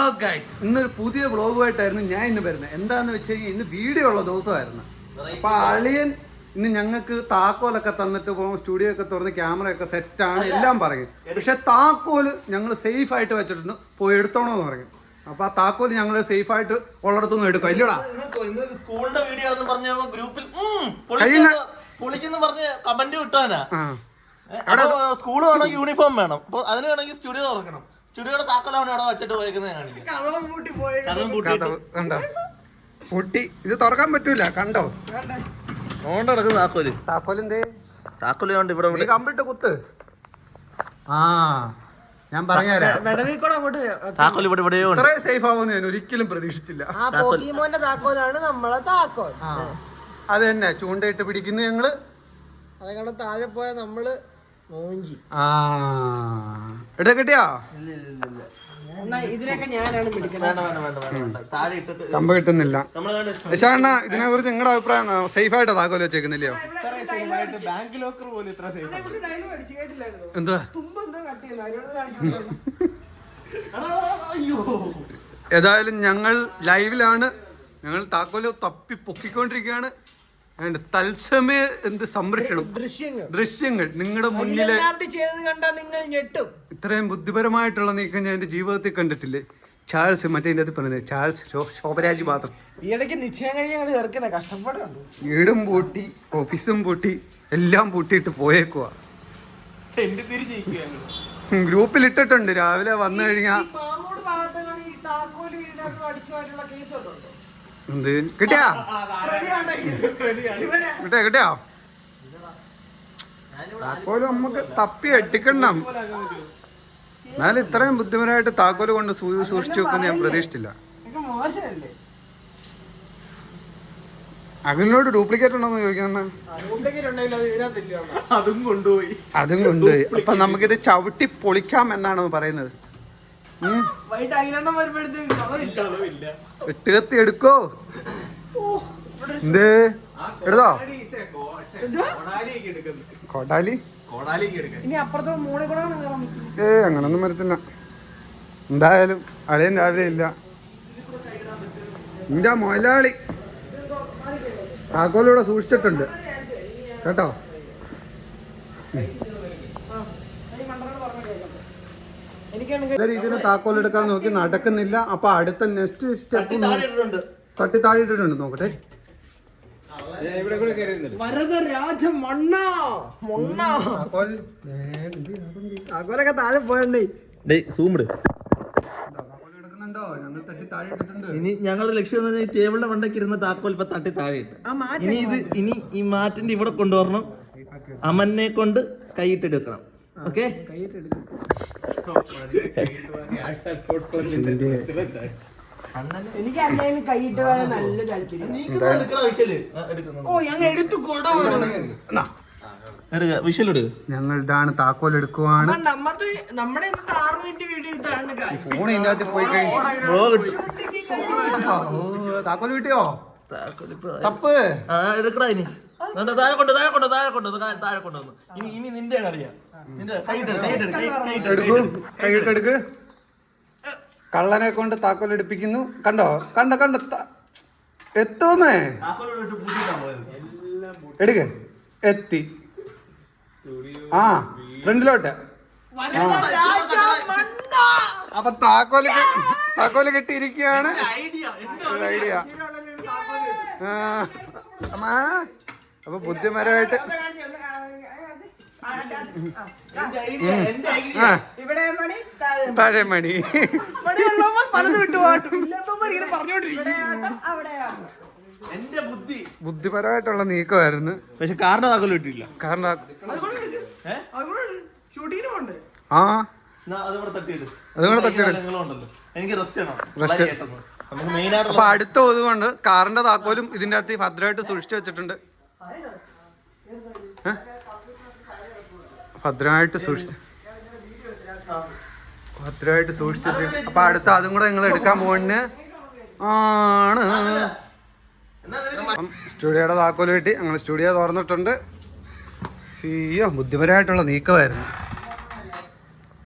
Hello guys, ഇന്നൊരു പുതിയ വ്ളോഗുമായിട്ടായിരുന്നു ഞാൻ ഇന്ന് വരുന്നത്. എന്താന്ന് വെച്ച് കഴിഞ്ഞാൽ ഇന്ന് വീഡിയോ ഉള്ള ദിവസമായിരുന്നു. അപ്പൊ അളിയൻ ഇന്ന് ഞങ്ങൾക്ക് താക്കോലൊക്കെ തന്നിട്ട് പോകും, സ്റ്റുഡിയോ ഒക്കെ തുറന്ന് ക്യാമറയൊക്കെ സെറ്റാണ് എല്ലാം പറയും. പക്ഷെ താക്കോല് ഞങ്ങൾ സേഫ് ആയിട്ട് വെച്ചിട്ടുണ്ട്, പോയി എടുത്തോണോന്ന് പറയും. അപ്പൊ ആ താക്കോല് ഞങ്ങൾ സേഫ് ആയിട്ട് ഉള്ളിടത്തൊന്നും എടുക്കും. ഇല്ലടാ സ്കൂളിന്റെ വീഡിയോ ഗ്രൂപ്പിൽ കമന്റ് കിട്ടാനാ. സ്കൂള് വേണം, യൂണിഫോം വേണം. അപ്പൊ അതിന് വേണമെങ്കിൽ സ്റ്റുഡിയോ തുറക്കണം. സ്റ്റുഡിയോയുടെ താക്കോലാണ് അവിടെ വെച്ചിട്ട് പോയേക്കുന്നത്. പൊട്ടി ഇത് തുറക്കാൻ പറ്റൂല. കണ്ടോ ഓണ്ട് നടക്കുന്ന താക്കോല്. താക്കോലെന്തേ? താക്കോല് കൊണ്ട് ഇവിടെ കമ്പിട്ട് കുത്ത്. ആ ഞാൻ പറഞ്ഞുതരാം. താക്കോല് ഇവിടെ ഇവിടെയോ ഇത്രയും സേഫ് ആവുമെന്ന് ഞാൻ ഒരിക്കലും പ്രതീക്ഷിച്ചില്ല. താക്കോലാണ് നമ്മളെ താക്കോൽ. അത് തന്നെ ചൂണ്ടയിട്ട് പിടിക്കുന്നു ഞങ്ങള്. അതേക്കാളും താഴെ പോയ നമ്മള് മോഞ്ചി. എടുത്ത കിട്ടിയോ? ഇതിനൊക്കെ ഞാനാണ് കമ്പ കിട്ടുന്നില്ല. യശാണ്ണ, ഇതിനെ കുറിച്ച് നിങ്ങളുടെ അഭിപ്രായം? സേഫ് ആയിട്ടാ താക്കോല് വെച്ചേക്കുന്നില്ലയോ? ബാങ്ക് ലോക്കർ പോലും ഇത്ര സേഫ്. എന്താ ഏതായാലും ഞങ്ങൾ ലൈവിലാണ്. ഞങ്ങൾ താക്കോല് തപ്പി പൊക്കിക്കൊണ്ടിരിക്കുകയാണ്. തത്സമയ എന്ത് സംരക്ഷണം, ദൃശ്യങ്ങൾ നിങ്ങളുടെ മുന്നില്. ഇത്രയും ബുദ്ധിപരമായിട്ടുള്ള നീക്കം ഞാൻ എന്റെ ജീവിതത്തിൽ കണ്ടിട്ടില്ലേ. ചാൾസ് മറ്റേ അതിന്റെ പറയുന്നത് ചാൾസ് ശോഭരാജ് മാത്രം. വീടും പൂട്ടി, ഓഫീസും പൂട്ടി, എല്ലാം പൂട്ടിയിട്ട് പോയേക്കുവാ. ഗ്രൂപ്പിൽ ഇട്ടിട്ടുണ്ട്. രാവിലെ വന്നു കഴിഞ്ഞാ എന്ത് കിട്ടിയാ കിട്ടിയോ? താക്കോല് നമുക്ക് തപ്പി അടിക്കണം. എന്നാലും ഇത്രയും ബുദ്ധിമുട്ടായിട്ട് താക്കോല് കൊണ്ട് സൂക്ഷിച്ചു വെക്കുന്ന ഞാൻ പ്രതീക്ഷിച്ചില്ല. അഖിലിനോട് ഡ്യൂപ്ലിക്കേറ്റ് ഉണ്ടോന്ന് ചോദിക്കുന്ന. അതും കൊണ്ടുപോയി. അപ്പൊ നമുക്കിത് ചവിട്ടി പൊളിക്കാം എന്നാണ് പറയുന്നത്. വെട്ടുകത്തി എടുക്കോ? എന്ത് എടുത്തോ? കോടാലി അങ്ങനൊന്നും വരത്തില്ല. എന്തായാലും അളിയൻ രാവിലെ ഇല്ല. എന്റെ മൊലാളി താക്കോലിവിടെ സൂക്ഷിച്ചിട്ടുണ്ട് കേട്ടോ. നല്ല രീതിയിൽ താക്കോൽ എടുക്കാൻ നോക്കി, നടക്കുന്നില്ല. അപ്പൊ അടുത്ത നെക്സ്റ്റ് സ്റ്റെപ്പ് തട്ടി താഴെയിട്ടിട്ടുണ്ട്. നോക്കട്ടെ. താക്കോലൊക്കെ താഴെ പോയണ്ടേ. ഞങ്ങൾ തട്ടി താഴെ ഇട്ടിട്ടുണ്ട്. ഇനി ഞങ്ങളുടെ ലക്ഷ്യം എന്ന് പറഞ്ഞാൽ ടേബിളിന്റെ മണ്ടയ്ക്ക് ഇരുന്ന താക്കോൽ ഇപ്പൊ തട്ടി താഴെ ഇട്ട്. ഇനി ഈ മാറ്റിന്റെ ഇവിടെ കൊണ്ടുവരണം. അമനെ കൊണ്ട് കൈയിട്ടെടുക്കണം. ഓക്കെ, എനിക്ക് അന്നേലും കൈയിട്ട് വരാൻ നല്ല താല്പര്യം. ഞങ്ങൾ ഇതാണ് താക്കോൽ എടുക്കുവാണ്. നമ്മുടെ 6 മിനിറ്റ് വീഡിയോ ഇതാണ്. ഫോൺ ഇതിനകത്ത് പോയി കഴിഞ്ഞു. താക്കോൽ കിട്ടിയോ? തപ്പ് എടുക്കടാ. ഇനി താഴെ കൊണ്ടുവന്നു. ഇനി നിന്റെ കളിയാ. കൈയിട്ടെടുക്ക്. കള്ളനെ കൊണ്ട് താക്കോൽ എടുപ്പിക്കുന്നു. കണ്ടോ എത്തൂന്നേ. എടുക്ക്. എത്തി. ഫ്രണ്ടിലോട്ട്. അപ്പൊ താക്കോല് കെട്ടിയിരിക്കുകയാണ്. ഐഡിയ. അപ്പൊ ബുദ്ധിപരമായിട്ട് താഴെ മണി ബുദ്ധിപരമായിട്ടുള്ള നീക്കമായിരുന്നു. പക്ഷെ കാറിന്റെ താക്കോല് കിട്ടിയില്ല. അപ്പൊ അടുത്ത ഒതുകൊണ്ട് കാറിന്റെ താക്കോലും ഇതിന്റെ അകത്ത് ഭദ്രമായിട്ട് സൂക്ഷിച്ചു വെച്ചിട്ടുണ്ട്. ഭദ്രമായിട്ട് സൂക്ഷിച്ചു. അപ്പൊ അടുത്ത അതും കൂടെ നിങ്ങൾ എടുക്കാൻ പോകുന്ന ആണ്. സ്റ്റുഡിയോയുടെ താക്കോല് കിട്ടി. ഞങ്ങൾ സ്റ്റുഡിയോ തുറന്നിട്ടുണ്ട്. ബുദ്ധിപരമായിട്ടുള്ള നീക്കമായിരുന്നു.